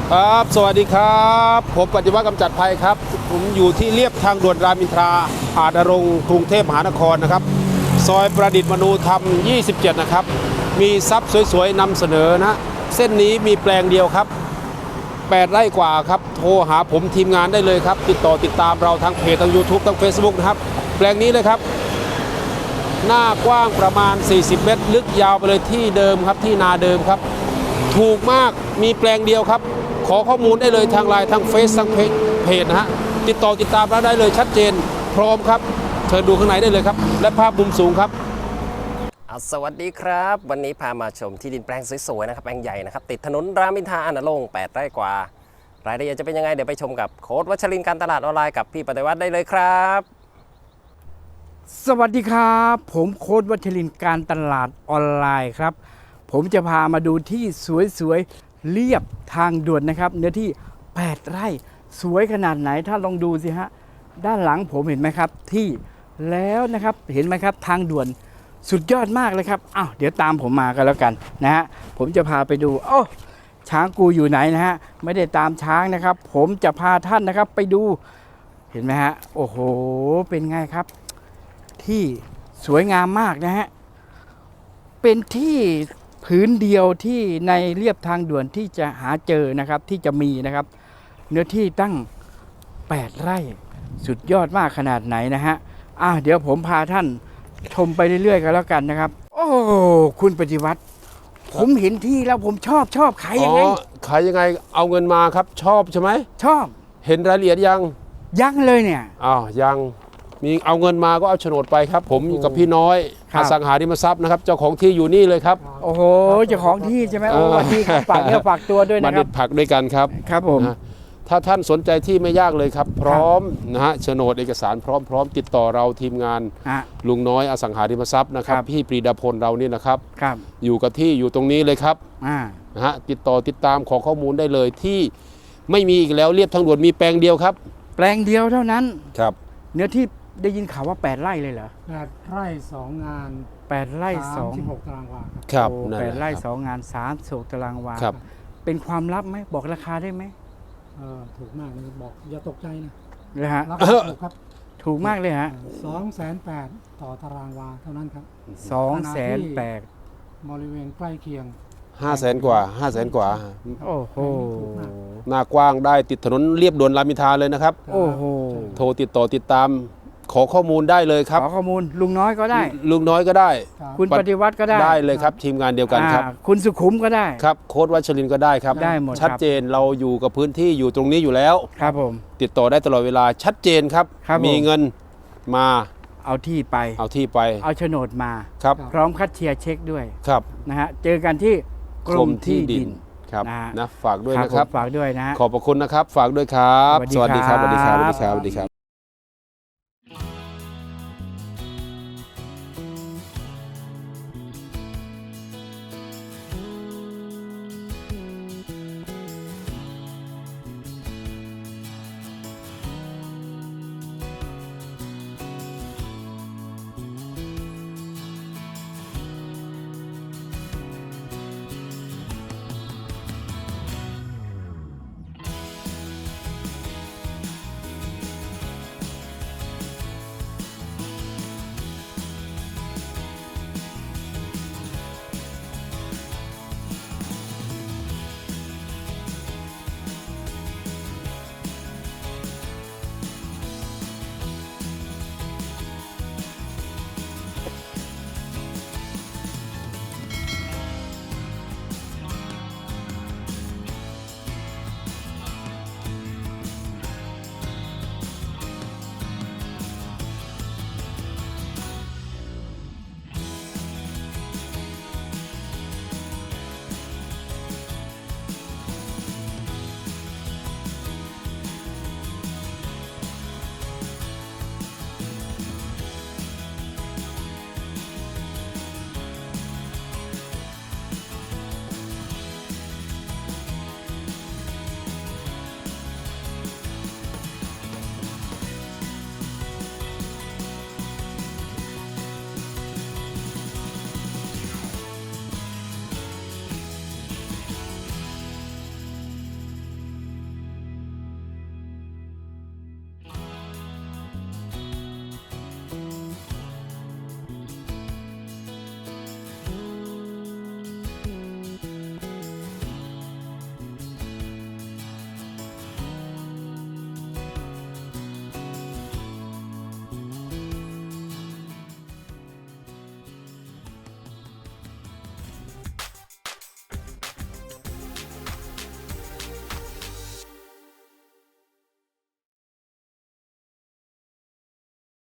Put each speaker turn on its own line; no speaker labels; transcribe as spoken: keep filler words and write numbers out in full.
ครับสวัสดีครับผมปฏิวัติกำจัดภัยครับผมอยู่ที่เลียบทางด่วนรามอินทราอาจนรงค์กรุงเทพมหานครนะครับซอยประดิษฐ์มนูธรรมยี่สิบเจ็ดนะครับมีทรัพย์สวยๆนำเสนอนะเส้นนี้มีแปลงเดียวครับแปดไร่กว่าครับโทรหาผมทีมงานได้เลยครับติดต่อติดตามเราทางเพจทาง YouTube ทาง Facebook นะครับแปลงนี้เลยครับหน้ากว้างประมาณสี่สิบเมตรลึกยาวไปเลยที่เดิมครับที่นาเดิมครับถูกมากมีแปลงเดียวครับขอข้อมูลได้เลยทางไลน์ทางเฟซทางเพจนะฮะติดต่อติดตามเราได้เลยชัดเจนพร้อมครับเชิญดูข้างในได้เลยครับและภาพมุมสูงครับ
สวัสดีครับวันนี้พามาชมที่ดินแปลงสวยๆนะครับแปลงใหญ่นะครับติดถนนรามอินทราอาจนรงค์แปดไร่กว่ารายละเอียดจะเป็นยังไงเดี๋ยวไปชมกับโค้ชวัชรินทร์การตลาดออนไลน์กับพี่ปฏิวัติได้เลยครับ
สวัสดีครับผมโค้ชวัชรินทร์การตลาดออนไลน์ครับผมจะพามาดูที่สวยๆเรียบทางด่วนนะครับเนื้อที่แปดไร่สวยขนาดไหนถ้าลองดูสิฮะด้านหลังผมเห็นไหมครับที่แล้วนะครับเห็นไหมครับทางด่วนสุดยอดมากเลยครับอ้าวเดี๋ยวตามผมมากันแล้วกันนะฮะผมจะพาไปดูโอ้ช้างกูอยู่ไหนนะฮะไม่ได้ตามช้างนะครับผมจะพาท่านนะครับไปดูเห็นไหมฮะโอ้โหเป็นไงครับที่สวยงามมากนะฮะเป็นที่ผืนเดียวที่ในเรียบทางด่วนที่จะหาเจอนะครับที่จะมีนะครับเนื้อที่ตั้งแปดไร่สุดยอดมากขนาดไหนนะฮะอ่ะเดี๋ยวผมพาท่านชมไปเรื่อยๆกันแล้วกันนะครับโอ้คุณปฏิวัติผมเห็นที่แล้วผมชอบชอบขายยังไง
ขายยังไงเอาเงินมาครับชอบใช่ไหม
ชอบ
เห็นรายละเอียดยัง
ยังเลยเนี่ย
อ้าวยังมีเอาเงินมาก็เอาโฉนดไปครับผมกับพี่น้อยอสังหาริมทรัพย์นะครับเจ้าของที่อยู่นี่เลยครับ
โอ้โหเจ้าของที่ใช่ไหมโอ้วันที่ฝากเนื้อฝากตัวด้วยนะครับ
มาเด็ดผักด้วยกันครับ
ครับผม
ถ้าท่านสนใจที่ไม่ยากเลยครับพร้อมนะฮะโฉนดเอกสารพร้อมพร้อมติดต่อเราทีมงานลุงน้อยอสังหาริมทรัพย์นะครับพี่ปรีดาพลเรานี่นะครับอยู่กับที่อยู่ตรงนี้เลยครับนะฮะติดต่อติดตามขอข้อมูลได้เลยที่ไม่มีอีกแล้วเรียบทางด่วนมีแปลงเดียวครับ
แปลงเดียวเท่านั้น
ครับ
เนื้อที่ได้ยินข่าวว่าแปดไร่เลยเหรอ
แปดไร่สองงาน
แปดไร่สอง
สิบหกตารางวา
ครับ
แปดไร่สองงานสามสิบหกตารางวา
ครับ
เป็นความลับไหมบอกราคาได้ไหม
เออถูกมากเลยบอกอย่าตกใจนะ
เลยฮะ
ราคาถูกครับ
ถูกมากเลยฮะ
สองแสนแปดต่อตารางวาเท่านั้นครับ
สองแสนแปด
บริเวณใกล้เคียง
ห้าแสนกว่าห้าแสนกว่า
โอ้โห
หน้ากว้างได้ติดถนนเรียบด่วนรามอินทราเลยนะครับ
โอ้โห
โทรติดต่อติดตามขอข้อมูลได้เลยครับ
ขอข้อมูลลุงน้อยก็ได้
ลุงน้อยก็ได้
คุณปฏิวัติก็ได้
ได้เลยครับทีมงานเดียวกันครับ
คุณสุขุมก็ได้
ครับโค้ชวัชรินทร์ก็ได้ครับ
ได้หมด
ชัดเจนเราอยู่กับพื้นที่อยู่ตรงนี้อยู่แล้ว
ครับผม
ติดต่อได้ตลอดเวลาชัดเจนครับมีเงินมา
เอาที่ไป
เอาที่ไป
เอาโฉนดมา
ครับ
พร้อมคัดเชียร์เช็คด้วย
ครับ
นะฮะเจอกันที่กรมที่ดิน
ครับนะฝากด้วยนะครับ
ฝากด้วยนะ
ขอบพระคุณนะครับฝากด้วยครับสวัสดีครับสวัสดีครับสวัสดีครับสวัสดีครับ